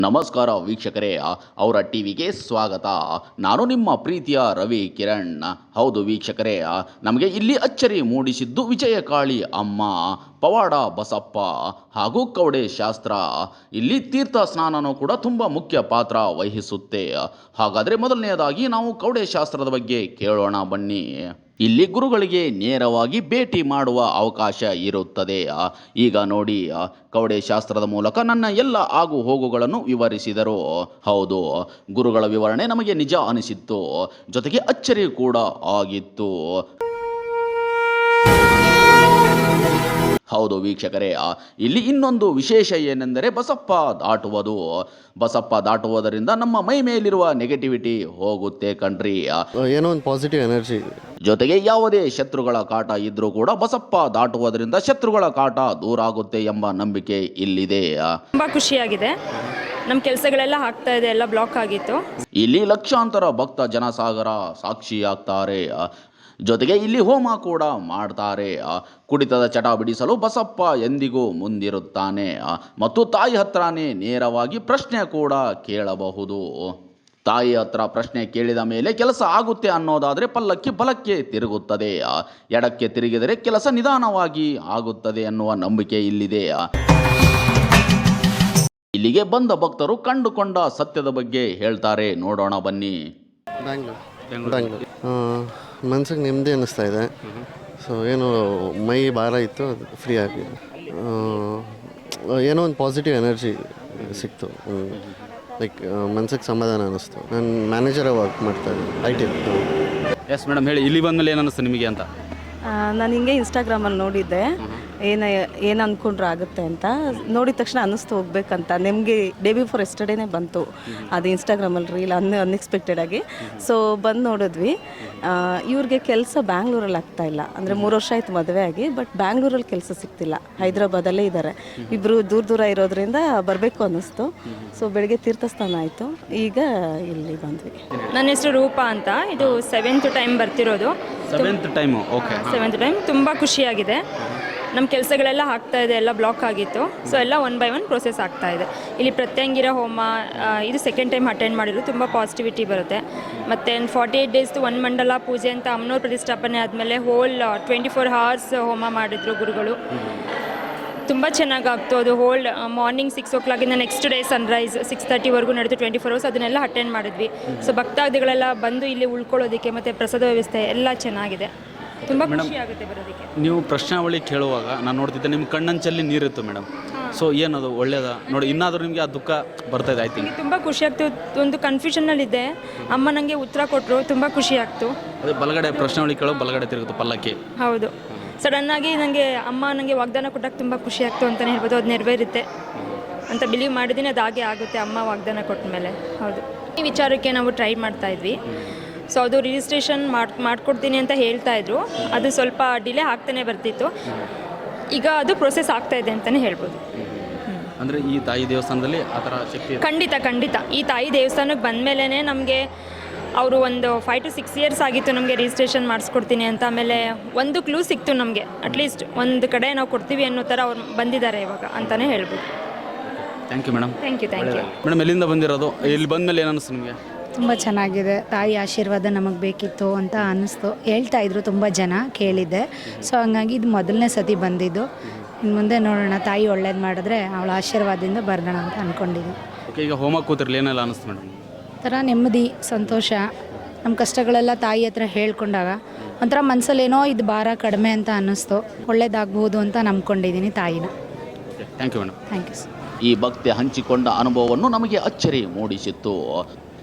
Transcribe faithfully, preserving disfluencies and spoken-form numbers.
ನಮಸ್ಕಾರ ವೀಕ್ಷಕರೇ, ಅವರ ಟಿವಿಗೆ ಸ್ವಾಗತ. ನಾನು ನಿಮ್ಮ ಪ್ರೀತಿಯ ರವಿ ಕಿರಣ್. ಹೌದು ವೀಕ್ಷಕರೇ, ನಮಗೆ ಇಲ್ಲಿ ಅಚ್ಚರಿ ಮೂಡಿಸಿದ್ದು ವಿಜಯಕಾಳಿ ಅಮ್ಮ, ಪವಾಡ ಬಸಪ್ಪ ಹಾಗೂ ಕವಡೆ ಶಾಸ್ತ್ರ. ಇಲ್ಲಿ ತೀರ್ಥ ಸ್ನಾನನೂ ಕೂಡ ತುಂಬ ಮುಖ್ಯ ಪಾತ್ರ ವಹಿಸುತ್ತೆ. ಹಾಗಾದರೆ ಮೊದಲನೆಯದಾಗಿ ನಾವು ಕವಡೆ ಶಾಸ್ತ್ರದ ಬಗ್ಗೆ ಕೇಳೋಣ ಬನ್ನಿ. ಇಲ್ಲಿ ಗುರುಗಳಿಗೆ ನೇರವಾಗಿ ಭೇಟಿ ಮಾಡುವ ಅವಕಾಶ ಇರುತ್ತದೆ. ಈಗ ನೋಡಿ, ಕವಡೆ ಶಾಸ್ತ್ರದ ಮೂಲಕ ನನ್ನ ಎಲ್ಲ ಆಗು ಹೋಗುಗಳನ್ನು ವಿವರಿಸಿದರು. ಹೌದು, ಗುರುಗಳ ವಿವರಣೆ ನಮಗೆ ನಿಜ ಅನಿಸಿತ್ತು, ಜೊತೆಗೆ ಅಚ್ಚರಿ ಕೂಡ ಆಗಿತ್ತು. ಹೌದು ವೀಕ್ಷಕರೇ, ಇಲ್ಲಿ ಇನ್ನೊಂದು ವಿಶೇಷ ಏನೆಂದರೆ ಬಸಪ್ಪ ದಾಟುವುದು. ಬಸಪ್ಪ ದಾಟುವುದರಿಂದ ನಮ್ಮ ಮೈ ಮೇಲಿರುವ ನೆಗೆಟಿವಿಟಿ ಹೋಗುತ್ತೆ ಕಣ್ರಿ. ಏನೋ ಒಂದು ಪಾಸಿಟಿವ್ ಎನರ್ಜಿ, ಜೊತೆಗೆ ಯಾವುದೇ ಶತ್ರುಗಳ ಕಾಟ ಇದ್ರೂ ಕೂಡ ಬಸಪ್ಪ ದಾಟುವುದರಿಂದ ಶತ್ರುಗಳ ಕಾಟ ದೂರ ಆಗುತ್ತೆ ಎಂಬ ನಂಬಿಕೆ ಇಲ್ಲಿದೆ. ತುಂಬ ಖುಷಿಯಾಗಿದೆ. ನಮ್ಮ ಕೆಲಸಗಳೆಲ್ಲ ಆಗ್ತಾ ಇದೆ, ಎಲ್ಲ ಬ್ಲಾಕ್ ಆಗಿತ್ತು. ಇಲ್ಲಿ ಲಕ್ಷಾಂತರ ಭಕ್ತ ಜನಸಾಗರ ಸಾಕ್ಷಿಯಾಗ್ತಾರೆ. ಜೊತೆಗೆ ಇಲ್ಲಿ ಹೋಮ ಕೂಡ ಮಾಡ್ತಾರೆ. ಕುಡಿತದ ಚಟ ಬಿಡಿಸಲು ಬಸಪ್ಪ ಎಂದಿಗೂ ಮುಂದಿರುತ್ತಾನೆ ಮತ್ತು ತಾಯಿ ಹತ್ರನೇ ನೇರವಾಗಿ ಪ್ರಶ್ನೆ ಕೂಡ ಕೇಳಬಹುದು. ತಾಯಿ ಹತ್ರ ಪ್ರಶ್ನೆ ಕೇಳಿದ ಮೇಲೆ ಕೆಲಸ ಆಗುತ್ತೆ ಅನ್ನೋದಾದರೆ ಪಲ್ಲಕ್ಕಿ ಬಲಕ್ಕೆ ತಿರುಗುತ್ತದೆ, ಎಡಕ್ಕೆ ತಿರುಗಿದರೆ ಕೆಲಸ ನಿಧಾನವಾಗಿ ಆಗುತ್ತದೆ ಅನ್ನುವ ನಂಬಿಕೆ ಇಲ್ಲಿದೆ. ಇಲ್ಲಿಗೆ ಬಂದ ಭಕ್ತರು ಕಂಡುಕೊಂಡ ಸತ್ಯದ ಬಗ್ಗೆ ಹೇಳ್ತಾರೆ, ನೋಡೋಣ ಬನ್ನಿ. ಬ್ಯಾಂಗ್ಳೂರ್ ಬ್ಯಾಂಗ್ಳೂರ್ ಮನ್ಸಿಗೆ ನೆಮ್ಮದಿ ಅನ್ನಿಸ್ತಾ ಇದೆ. ಸೊ ಏನು ಮೈ ಭಾರ ಇತ್ತು, ಅದು ಫ್ರೀ ಆಗಿ ಏನೋ ಒಂದು ಪಾಸಿಟಿವ್ ಎನರ್ಜಿ ಸಿಕ್ತು. ಲೈಕ್ ಮನ್ಸಿಗೆ ಸಮಾಧಾನ ಅನ್ನಿಸ್ತು. ನಾನು ಮ್ಯಾನೇಜರಾಗಿ ವರ್ಕ್ ಮಾಡ್ತಾಯಿದ್ದೆ ಐ ಟಿ. ಎಸ್ ಮೇಡಮ್, ಹೇಳಿ, ಇಲ್ಲಿ ಬಂದಮೇಲೆ ಏನು ಅನ್ನಿಸ್ತು ನಿಮಗೆ ಅಂತ? ನಾನು ಹಿಂಗೆ ಇನ್ಸ್ಟಾಗ್ರಾಮಲ್ಲಿ ನೋಡಿದ್ದೆ, ಏನು ಏನು ಅಂದ್ಕೊಂಡ್ರೆ ಆಗುತ್ತೆ ಅಂತ. ನೋಡಿದ ತಕ್ಷಣ ಅನ್ನಿಸ್ತು ಹೋಗ್ಬೇಕಂತ. ನಿಮಗೆ ಡೇ ಬಿಫೋರ್ ಎಸ್ಟರ್ಡೇನೇ ಬಂತು ಅದು ಇನ್ಸ್ಟಾಗ್ರಾಮಲ್ಲಿ ರೀಲ್, ಅನ್ ಅನ್ಎಕ್ಸ್ಪೆಕ್ಟೆಡಾಗಿ. ಸೊ ಬಂದು ನೋಡಿದ್ವಿ. ಇವ್ರಿಗೆ ಕೆಲಸ ಬ್ಯಾಂಗ್ಳೂರಲ್ಲಿ ಆಗ್ತಾಯಿಲ್ಲ, ಅಂದರೆ ಮೂರು ವರ್ಷ ಆಯಿತು ಮದುವೆ ಆಗಿ, ಬಟ್ ಬ್ಯಾಂಗ್ಳೂರಲ್ಲಿ ಕೆಲಸ ಸಿಗ್ತಿಲ್ಲ. ಹೈದ್ರಾಬಾದಲ್ಲೇ ಇದ್ದಾರೆ. ಇಬ್ಬರು ದೂರ ದೂರ ಇರೋದ್ರಿಂದ ಬರಬೇಕು ಅನ್ನಿಸ್ತು. ಸೊ ಬೆಳಗ್ಗೆ ತೀರ್ಥಸ್ಥಾನ ಆಯಿತು, ಈಗ ಇಲ್ಲಿ ಬಂದ್ವಿ. ನನ್ನ ಹೆಸರು ರೂಪಾ ಅಂತ. ಇದು ಸೆವೆಂತ್ ಟೈಮ್ ಬರ್ತಿರೋದು. Seventh time okay seventh time. ತುಂಬ ಖುಷಿಯಾಗಿದೆ. ನಮ್ಮ ಕೆಲಸಗಳೆಲ್ಲ ಆಗ್ತಾ ಇದೆ, ಎಲ್ಲ ಬ್ಲಾಕ್ ಆಗಿತ್ತು. ಸೊ ಎಲ್ಲ ಒನ್ ಬೈ ಒನ್ ಪ್ರೊಸೆಸ್ ಆಗ್ತಾ ಇದೆ. ಇಲ್ಲಿ ಪ್ರತ್ಯಂಗಿರ ಹೋಮ ಇದು ಸೆಕೆಂಡ್ ಟೈಮ್ ಅಟೆಂಡ್ ಮಾಡಿದ್ರು. ತುಂಬ ಪಾಸಿಟಿವಿಟಿ ಬರುತ್ತೆ. ಮತ್ತು ಫಾರ್ಟಿ ಏಯ್ಟ್ ಡೇಸ್ದು ಒನ್ ಮಂಡಲ ಪೂಜೆ ಅಂತ ಅಮ್ಮನವ್ರ ಪ್ರತಿಷ್ಠಾಪನೆ ಆದಮೇಲೆ ಹೋಲ್ ಟ್ವೆಂಟಿ ಫೋರ್ ಅವರ್ಸ್ ಹೋಮ ಮಾಡಿದ್ರು ಗುರುಗಳು. ತುಂಬ ಚೆನ್ನಾಗಾಗ್ತು ಅದು. ಹೋಲ್ಡ್ ಮಾರ್ನಿಂಗ್ ಸಿಕ್ಸ್ ಓ ಕ್ಲಾಕಿಂದ ನೆಕ್ಸ್ಟ್ ಡೇ ಸನ್ರೈಸ್ ಸಿಕ್ಸ್ ತರ್ಟಿವರೆಗೂ ನಡೆದು ಟ್ವೆಂಟಿ ಫೋರ್ ಅವರ್ಸ್ ಅದನ್ನೆಲ್ಲ ಅಟೆಂಡ್ ಮಾಡಿದ್ವಿ. ಸೊ ಭಕ್ತಾದಿಗಳೆಲ್ಲ ಬಂದು ಇಲ್ಲಿ ಉಳ್ಕೊಳ್ಳೋದಕ್ಕೆ ಮತ್ತು ಪ್ರಸಾದ ವ್ಯವಸ್ಥೆ ಎಲ್ಲ ಚೆನ್ನಾಗಿದೆ. ತುಂಬ ಖುಷಿ ಆಗುತ್ತೆ ಬರೋದಕ್ಕೆ. ನೀವು ಪ್ರಶ್ನಾವಳಿ ಕೇಳುವಾಗ ನಾನು ನೋಡ್ತಿದ್ದೆ, ನಿಮ್ಮ ಕಣ್ಣಂಚಲ್ಲಿ ನೀರಿತ್ತು ಮೇಡಮ್. ಸೊ ಏನದು ಒಳ್ಳೇದ ನೋಡಿ, ಇನ್ನಾದರೂ ನಿಮಗೆ ಆ ದುಃಖ ಬರ್ತಾ ಇದೆ? ಐ ಥಿಂಕ್ ತುಂಬ ಖುಷಿ ಆಗ್ತು. ಒಂದು ಕನ್ಫ್ಯೂಷನಲ್ಲಿದ್ದೆ, ಅಮ್ಮ ನನಗೆ ಉತ್ತರ ಕೊಟ್ಟರು. ತುಂಬ ಖುಷಿ ಆಗ್ತು. ಅದೇ ಬಲಗಡೆ ಪ್ರಶ್ನಾವಳಿ ಕೇಳೋ ಬಲಗಡೆ ತಿರುಗುತ್ತೆ ಪಲ್ಲಕ್ಕಿ. ಹೌದು, ಸಡನ್ನಾಗಿ ನನಗೆ ಅಮ್ಮ ನನಗೆ ವಾಗ್ದಾನ ಕೊಟ್ಟಾಗ ತುಂಬ ಖುಷಿ ಆಗ್ತು ಅಂತಲೇ ಹೇಳ್ಬೋದು. ಅದು ನೆರವೇರುತ್ತೆ ಅಂತ ಬಿಲೀವ್ ಮಾಡಿದ್ದೀನಿ, ಅದು ಹಾಗೆ ಆಗುತ್ತೆ ಅಮ್ಮ ವಾಗ್ದಾನ ಕೊಟ್ಟ ಮೇಲೆ. ಹೌದು, ಈ ವಿಚಾರಕ್ಕೆ ನಾವು ಟ್ರೈ ಮಾಡ್ತಾಯಿದ್ವಿ. ಸೊ ಅದು ರಿಜಿಸ್ಟ್ರೇಷನ್ ಮಾಡಿ ಮಾಡಿಕೊಡ್ತೀನಿ ಅಂತ ಹೇಳ್ತಾಯಿದ್ರು. ಅದು ಸ್ವಲ್ಪ ಡಿಲೇ ಆಗ್ತಾನೆ ಬರ್ತಿತ್ತು. ಈಗ ಅದು ಪ್ರೊಸೆಸ್ ಆಗ್ತಾಯಿದೆ ಅಂತಲೇ ಹೇಳ್ಬೋದು. ಅಂದರೆ ಈ ತಾಯಿ ದೇವಸ್ಥಾನದಲ್ಲಿ ಆ ಥರ ಶಕ್ತಿ ಖಂಡಿತ ಖಂಡಿತ. ಈ ತಾಯಿ ದೇವಸ್ಥಾನಕ್ಕೆ ಬಂದ ಮೇಲೇ ನಮಗೆ ಅವರು ಒಂದು ಫೈವ್ ಟು ಸಿಕ್ಸ್ ಇಯರ್ಸ್ ಆಗಿತ್ತು ನಮಗೆ ರಿಜಿಸ್ಟ್ರೇಷನ್ ಮಾಡಿಸ್ಕೊಡ್ತೀನಿ ಅಂತ. ಆಮೇಲೆ ಒಂದು ಕ್ಲೂ ಸಿಕ್ತು ನಮಗೆ, ಅಟ್ಲೀಸ್ಟ್ ಒಂದು ಕಡೆ ನಾವು ಕೊಡ್ತೀವಿ ಅನ್ನೋ ಥರ ಅವ್ರು ಬಂದಿದ್ದಾರೆ ಇವಾಗ ಅಂತಲೇ ಹೇಳ್ಬೋದು. Thank you madam. Thank you thank you madam, ಎಲ್ಲಿಂದ ಬಂದಿರೋದು? ಇಲ್ಲಿ ಬಂದಮೇಲೆ ಏನು ಅನ್ನಿಸ್ತು ನಿಮಗೆ? ತುಂಬ ಚೆನ್ನಾಗಿದೆ. ತಾಯಿ ಆಶೀರ್ವಾದ ನಮಗೆ ಬೇಕಿತ್ತು ಅಂತ ಅನ್ನಿಸ್ತು. ಹೇಳ್ತಾಯಿದ್ರು ತುಂಬ ಜನ, ಕೇಳಿದ್ದೆ. ಸೊ ಹಂಗಾಗಿ ಇದು ಮೊದಲನೇ ಸತಿ ಬಂದಿದ್ದು. ಇನ್ನು ಮುಂದೆ ನೋಡೋಣ, ತಾಯಿ ಒಳ್ಳೇದು ಮಾಡಿದ್ರೆ ಅವಳ ಆಶೀರ್ವಾದದಿಂದ ಬರೋಣ ಅಂತ ಅಂದ್ಕೊಂಡಿದ್ದೆ. ಓಕೆ, ಈಗ ಹೋಮ ಕೂತಿರ್ಲಿ, ಏನೆಲ್ಲ ಅನ್ನಿಸ್ತು ಮೇಡಮ್? ಒಂಥರ ನೆಮ್ಮದಿ, ಸಂತೋಷ. ನಮ್ಮ ಕಷ್ಟಗಳೆಲ್ಲ ತಾಯಿ ಹತ್ರ ಹೇಳ್ಕೊಂಡಾಗ ಒಂಥರ ಮನಸ್ಸಲ್ಲೇನೋ ಇದು ಭಾರ ಕಡಿಮೆ ಅಂತ ಅನ್ನಿಸ್ತು. ಒಳ್ಳೇದಾಗ್ಬೋದು ಅಂತ ನಂಬ್ಕೊಂಡಿದ್ದೀನಿ ತಾಯಿನ. Thank you madam. Thank you sir. ಈ ಭಕ್ತಿ ಹಂಚಿಕೊಂಡ ಅನುಭವವನ್ನು ನಮಗೆ ಅಚ್ಚರಿ ಮೂಡಿಸಿತ್ತು.